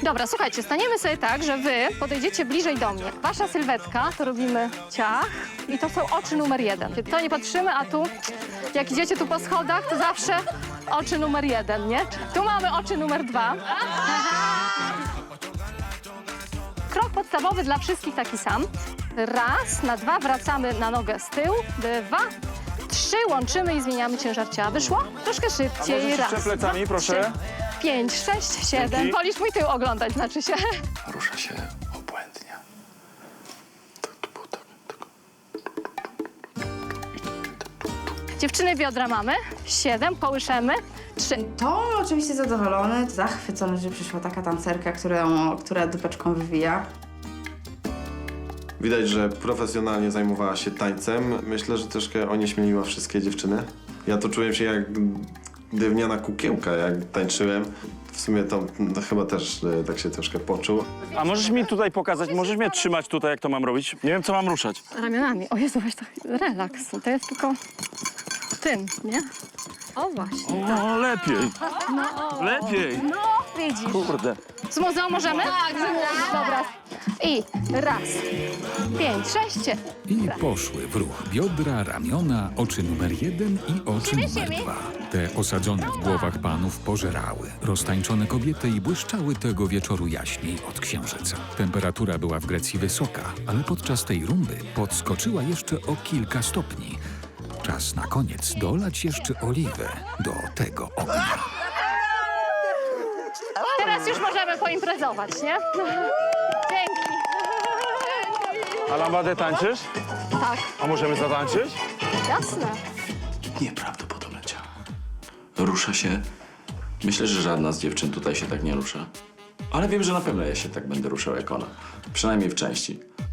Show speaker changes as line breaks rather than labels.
Dobra, słuchajcie, staniemy sobie tak, że wy podejdziecie bliżej do mnie. Wasza sylwetka, to robimy ciach i to są oczy numer 1. To nie patrzymy, a tu, jak idziecie tu po schodach, to zawsze oczy numer 1, nie? Tu mamy oczy numer 2. Krok podstawowy dla wszystkich taki sam. Raz, na 2 wracamy na nogę z tyłu, 2, 3 łączymy i zmieniamy ciężar ciała. Wyszło? Troszkę szybciej.
Możesz
Raz,
jeszcze plecami,
2,
proszę?
3, 5, 6, 7.
Dzięki.
Wolisz mój tył oglądać, znaczy się.
Rusza się obłędnie.
Dziewczyny, biodra mamy. 7, kołyszemy. 3.
To oczywiście zadowolony, zachwycony, że przyszła taka tancerka, która dupeczką wywija.
Widać, że profesjonalnie zajmowała się tańcem. Myślę, że troszkę onieśmieliła wszystkie dziewczyny. Ja to czułem się jak drewniana kukiełka, jak tańczyłem. W sumie to chyba też tak się troszkę poczuł.
A możesz mi tutaj pokazać, możesz mnie trzymać tutaj, jak to mam robić? Nie wiem, co mam ruszać.
Ramionami. O Jezu, weź to relaks. To jest tylko tym, nie? O właśnie.
O, lepiej. Lepiej.
No, widzisz.
Kurde.
Z muzeum możemy? Tak, dobra. I raz, 5, 6.
I poszły w ruch biodra, ramiona, oczy numer 1 i oczy numer 2. Te osadzone w głowach panów pożerały roztańczone kobiety i błyszczały tego wieczoru jaśniej od księżyca. Temperatura była w Grecji wysoka, ale podczas tej rumby podskoczyła jeszcze o kilka stopni. Czas na koniec dolać jeszcze oliwę do tego ognia.
Teraz już możemy poimprezować, nie? Dzięki.
A lambadę tańczysz?
Tak,
A możemy zatańczyć?
jasne.
Nieprawdopodobne ciało. Rusza się. Myślę, że żadna z dziewczyn tutaj się tak nie rusza. Ale wiem, że na pewno ja się tak będę ruszał jak ona. Przynajmniej w części.